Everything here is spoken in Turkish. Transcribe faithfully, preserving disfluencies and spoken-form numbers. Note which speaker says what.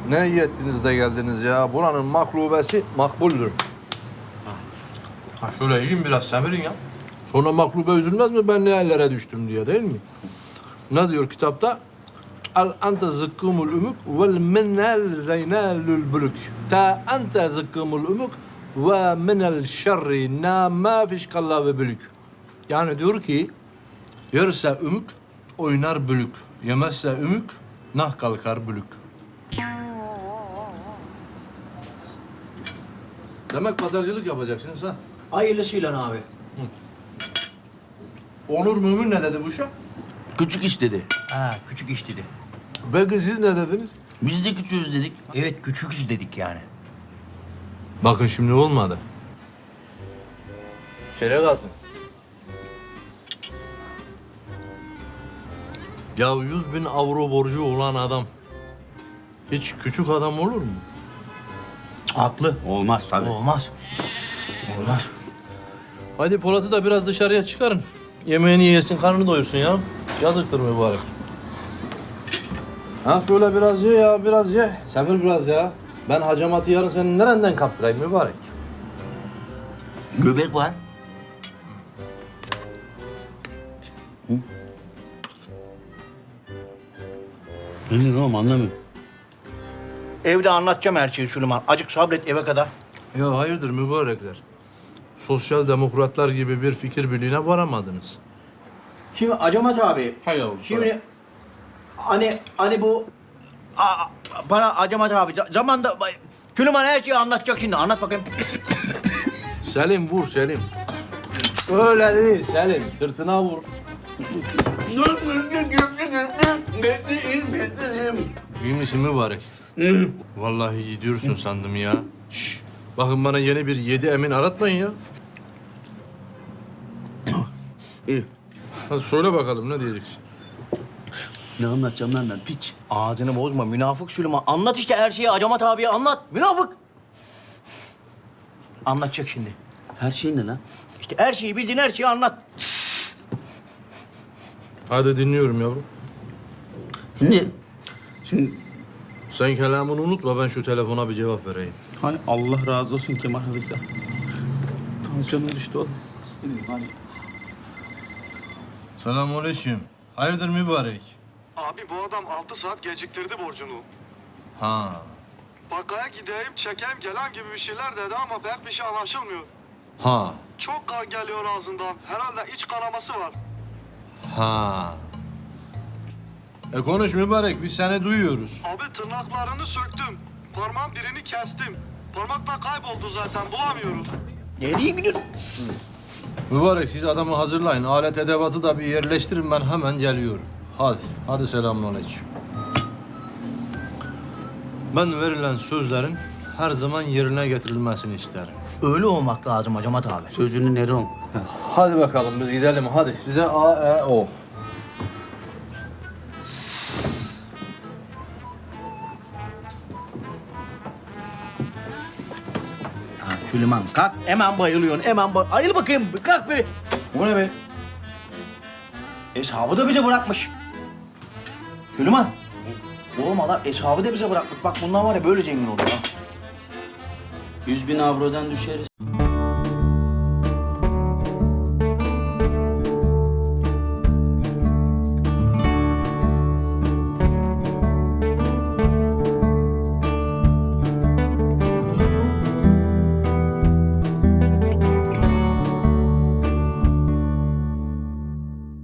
Speaker 1: Ne iyi ettiniz de geldiniz ya. Buranın maklubesi makbuldür. Ha şöyle yiyin biraz semirin ya. Sonra maklube üzülmez mi ben ne hallere düştüm diye değil mi? Ne diyor kitapta? Al ente zıkkımul umuk vel minel zeynelül bülük. Ta ente zıkkımul umuk ve minel şerri na ma fişkalla ve bülük. Yani diyor ki yerse ümük oynar bülük. Yemezse ümük nah kalkar bülük. Demek pazarcılık yapacaksınız ha?
Speaker 2: Hayırlısıyla abi.
Speaker 1: Onur Mümin ne dedi bu şey?
Speaker 3: Küçük iş dedi.
Speaker 2: Ha, küçük iş dedi.
Speaker 1: Belki siz ne dediniz?
Speaker 3: Biz de küçüğüz dedik.
Speaker 2: Evet, küçüküz dedik yani.
Speaker 1: Bakın şimdi olmadı. Şöyle kalsın. Ya yüz bin avro borcu olan adam hiç küçük adam olur mu?
Speaker 2: Haklı.
Speaker 3: Olmaz tabii.
Speaker 2: Olmaz. Olmaz.
Speaker 1: Hadi Polat'ı da biraz dışarıya çıkarın. Yemeğini yesin, karnını doyursun ya. Yazıktır mübarek. Ha şöyle biraz ye ya, biraz ye. Sabır biraz ya. Ben hacamatı yarın senin nereden kaptırayım mübarek?
Speaker 3: Göbek var. Ne diyorsun oğlum anlamıyorum.
Speaker 2: Evde anlatacağım her şeyi Süleyman. Acık sabret eve kadar.
Speaker 1: Ya hayırdır mübarekler? Sosyal demokratlar gibi bir fikir birliğine varamadınız.
Speaker 2: Şimdi Acamat abi.
Speaker 1: Hay yavrum,
Speaker 2: Şimdi hani hani bu a, bana Acamat abi za- zamanda Süleyman her şeyi anlatacak şimdi. Anlat bakayım.
Speaker 1: Selim vur Selim. Öyle değil Selim. Sırtına vur. İyi misin mübarek? Vallahi gidiyorsun sandım ya. Şş, bakın bana yeni bir yedi emin aratmayın ya.
Speaker 3: İyi.
Speaker 1: Hadi söyle bakalım ne diyeceksin?
Speaker 3: Ne anlatacağım lan ben piç.
Speaker 2: Ağzını bozma münafık Süleyman. Anlat işte her şeyi Acamat abiye anlat. Münafık. Anlatacak şimdi.
Speaker 3: Her şey ne lan?
Speaker 2: İşte her şeyi bildiğin her şeyi anlat.
Speaker 1: Hadi dinliyorum yavrum.
Speaker 3: Şimdi, şimdi
Speaker 1: Sen kelamını unutma ben şu telefona bir cevap vereyim.
Speaker 3: hay Allah razı olsun Kemal Halisa. Tansiyonum düştü oğlum. Hadi.
Speaker 1: Selamünaleyküm. Hayırdır mübarek?
Speaker 4: Abi bu adam altı saat geciktirdi borcunu.
Speaker 1: Ha.
Speaker 4: Bakkaya gideyim, çekeyim, gelen gibi bir şeyler dedi ama pek bir şey anlaşılmıyor.
Speaker 1: Ha.
Speaker 4: Çok kan geliyor ağzından. Herhalde iç kanaması var.
Speaker 1: Ha. E konuş mübarek biz seni duyuyoruz.
Speaker 4: Abi tırnaklarını söktüm. Parmağın birini kestim. Parmak da kayboldu zaten, bulamıyoruz.
Speaker 2: Nereye gidiyorsun?
Speaker 1: Mübarek siz adamı hazırlayın. Alet edevatı da bir yerleştirin ben hemen geliyorum. Hadi. Hadi selamünaleyküm. Ben verilen sözlerin her zaman yerine getirilmesini isterim.
Speaker 2: Öyle olmak lazım Acamat abi.
Speaker 3: Sözünü Neron.
Speaker 1: Hadi bakalım biz gidelim. Hadi size A, E, O.
Speaker 2: Ha, Süleyman kalk. Hemen bayılıyorsun. Hemen bay... Ayıl bakayım. Bir kalk bir. Bu ne be? Eshabı da bize bırakmış. Süleyman. Oğlum adam eshabı da bize bırakmış. Bak bundan var ya böyle zengin olur ha.
Speaker 3: Yüz bin avrodan düşeriz.